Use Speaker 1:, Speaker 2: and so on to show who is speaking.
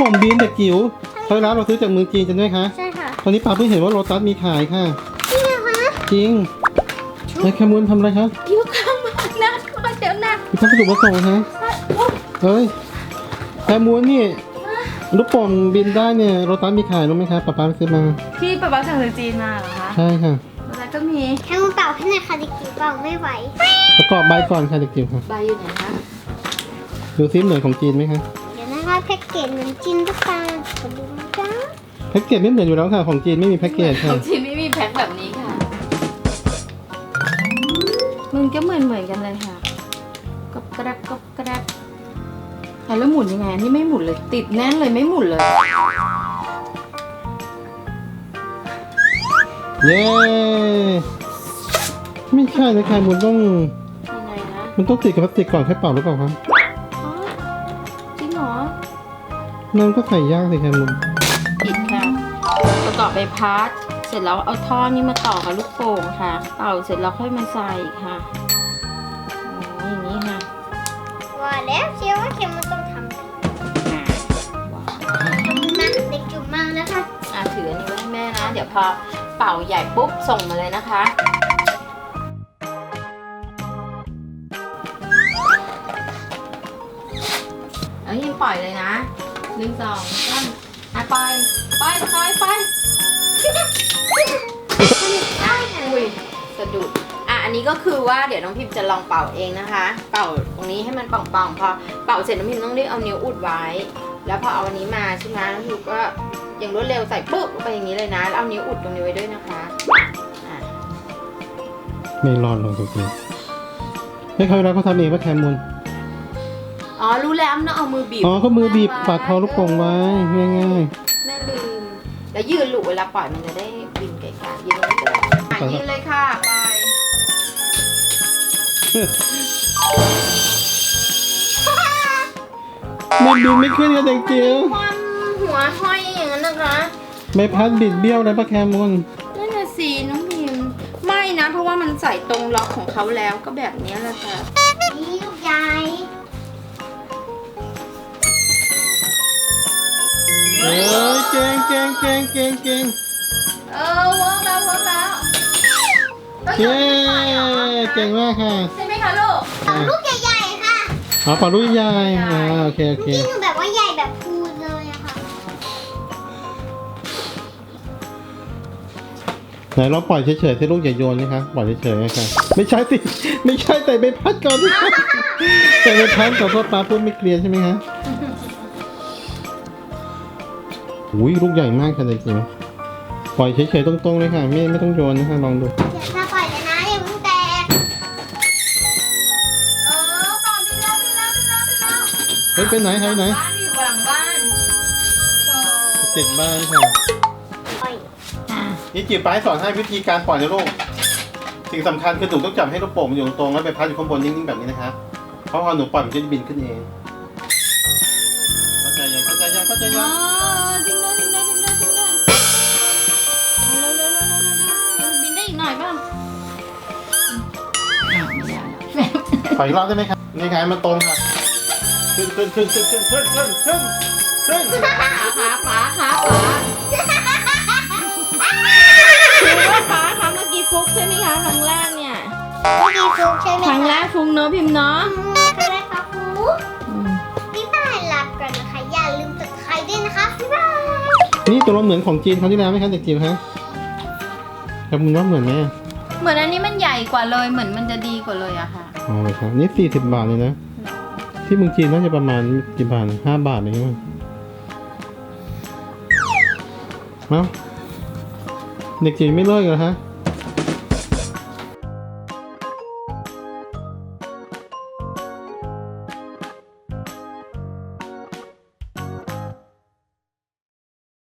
Speaker 1: ป่งบีนเด็กจิ๋วเท่าร้านเราซื้อจากเมืองจีนกันด้วยคะ
Speaker 2: ใช่ค่ะ
Speaker 1: ตอนนี้ป้าเพิ่งเห็นว่าโลตัสมีขายค่ะ
Speaker 2: จริงเหรอคะ
Speaker 1: จริงนายแคมูลทำอะไรคะ
Speaker 2: อยู่ข้างบ้านนะมาเดี๋ยวนะ
Speaker 1: มีพัสดุมาส่งฮะเฮ้ยแคมูลนี่ลูกโป่งบินได้เนี่ยโลตัสมีขายรู้ไหมคะป้าไปซื้อมา
Speaker 3: ที่ป๊าป๊าสั่งจากจีนมาเหรอคะ
Speaker 1: ใช่ค่ะ
Speaker 3: แล้วก็มี
Speaker 2: แค่มือเปล่าให้หน่อยค่ะเด็กจิ๋วเปล่าไม่ไหว
Speaker 1: ประกอบใบก่อนค่ะเด็กจิ๋วค่ะ
Speaker 3: ใบอยู่ไหนคะ
Speaker 1: ดูซิเหมือนของจีนไหมคะ
Speaker 2: เดี๋ยวนะคะแพ็กเกจเหมือนจินตุ๊กตาขอดูนะจ๊ะ
Speaker 1: แพ็กเกจไม่เหมือนอยู่แล้วค่ะของจีนไม่มีแพ็กเกจ
Speaker 3: ข
Speaker 1: ค่ะ
Speaker 3: องจีนไม่มีแพ็คแบบนี้ค่ะ มันก็เหมือนกันเลยค่ะกบกระดับกบกระดับแล้วหมุนยังไงอันนี่ไม่หมุนเลยติดแน่นเลยไม่หมุนเลย
Speaker 1: เย้ไม่ใช่นะแคมูลต้อง
Speaker 3: ยังไงนะ
Speaker 1: มันต้องติดกับพลาสติกก่อนค่อยเป่าหรือเปล่าคะ
Speaker 3: อ๋อจริงเหรอ
Speaker 1: นั่นก็ใส่ยากสิแคมูล
Speaker 3: ผิดค่ะประกอบใบพัดเสร็จแล้วเอาท่อนี้มาต่อกับลูกโป่งค่ะ เป่าเสร็จแล้วค่อยมาใส่ค่ะอ๋ออย่างนี้ค่ะ
Speaker 2: ว่าแล้วเชียวว่าเข็มมันต้องทำแบบนี้นะเด็กจุ๋มมาแล้วค่ะ
Speaker 3: ถืออันนี้ไว้ให้แม่นะ เดี๋ยวพอเป่าใหญ่ปุ๊บส่งมาเลยนะคะเอายิงปล่อยเลยนะ1 2 3ปล่อยอุ้ยสะดุดอันนี้ก็คือว่าเดี๋ยวน้องพิมจะลองเป่าเองนะคะ เป่าตรงนี้ให้มันป่องๆพอเป่าเสร็จน้องพิมต้องรีบเอานิ้วอุดไว้ แล้วพอเอาอันนี้มาใช่ไหมน้องพิมก็อย่างรวดเร็วใส่ปุ๊บลงไปอย่างนี้เลยนะแล้วเอานิ้วอุดตรงนี้ไว้ด้วยนะคะอ่ะ
Speaker 1: ไม่รอดลงจริงๆให้เขาเวลาเขาทำเองว่าแคมูล
Speaker 3: อ๋อรู้แล้วมันต้องเอามือบีบ
Speaker 1: อ๋อก็มือบีบปากคอลูกโป่งไว้ง่าย
Speaker 3: แม่ลืมแล้วยืนหลุเวลาปล่อยมันจะได้บินไกลๆยืนตรงนี้ก็ได้ยืนเลยค่ะไป
Speaker 1: ๆมันบินไม่ขึ้นกับเด็กจิ๋ว
Speaker 3: ความหัวห้อยอย่างนั้นนะคะ
Speaker 1: ใบพัดบิดเบี้ยวเลยปะแคมูล
Speaker 3: นั่นน่ะสิน้องพิมไม่นะเพราะว่ามันใส่ตรงล็อกของเขาแล้วก็แบบนี้แหละค่ะ
Speaker 2: นี่ลูกใหญ่
Speaker 1: เอ้ยเก่งเ
Speaker 3: วิร์กแล้ว
Speaker 1: เย้เก่งมากค่ะ
Speaker 3: ใช่ไหมคะลูก
Speaker 2: เอาลูกใหญ่ๆค่ะ
Speaker 1: อ๋อปล่าลูกใหญ่โอเค
Speaker 2: จริงๆหนูแบบว่าใหญ่แบบพูนเลยอะค่ะ
Speaker 1: ไหนเราปล่อยเฉยๆที่ลูกอย่าโยนนะคะปล่อยเฉยๆนะคะไม่ใช่สิไม่ใช่แต่ใบพัดก่อนสิแต่ใบพัดขอโทษป้าพูดไม่เคลียร์ใช่ไหมคะอุ้ยลูกใหญ่มากค่ะเด็กจิ๋วปล่อยเฉยๆตรงๆเลยค่ะไม่ต้องโยนนะคะลองดู
Speaker 2: เดี๋ยวถ้าปล่อยเลยนะอย่าเพิ่งแตก
Speaker 3: ต่อดีแล้ว
Speaker 1: เฮ้ยไปไหนหายไหน
Speaker 3: บ้านอยู่หลังบ้าน
Speaker 1: ติดบ้านค่ะ
Speaker 2: ปล่อย
Speaker 1: นี่จิ๋วป้าให้สอนให้วิธีการปล่อยนะลูกสิ่งสำคัญคือหนูต้องจับให้ลูกโป่งมันอยู่ตรงๆแล้วใบพัดอยู่ข้างบนนิ่งๆแบบนี้นะคะเพราะพอหนูปล่อยมันจะบินขึ้นเองเข้าใจยัง
Speaker 3: อ๋อจริงด้วยเอาเร็วบินได้อีกหน่อยป่ะไม่ได้แล้ว
Speaker 1: ปล่อยอีกรอบได้ไหมครับนี่ไงมันตรงค่ะขึ้น
Speaker 3: ขาคือว่าฟ้าคะเมื่อกี้ฟุกใช่ไหมคะครั้งแรกเนี่ย
Speaker 2: ไม่ดีฟุกใช่ไหม
Speaker 3: ครั้งแรกฟุกเนอะพิมพ์เนาะ
Speaker 2: ครั้งแรกครับฟุกพี่บายลาก่อนนะคะอย่าลืมกดไลค์ด้วยนะคะพี่บาย
Speaker 1: นี่ตัวเราเหมือนของจีนเขาที่แล้วไหมคะเด็กจิ๋วฮะครับมึงว่าเหมือนไหม
Speaker 3: เหมือนอันนี้มันใหญ่กว่าเลยเหมือนมันจะดีกว่าเลยอะค่ะ
Speaker 1: อ๋อเลยครับนี่40 บาทเลยนะที่เมืองจีนน่าจะประมาณกี่บาท5 บาทเลยมั้งเอ้าเด็กจิ๋วไม่เลิกเหรอฮะ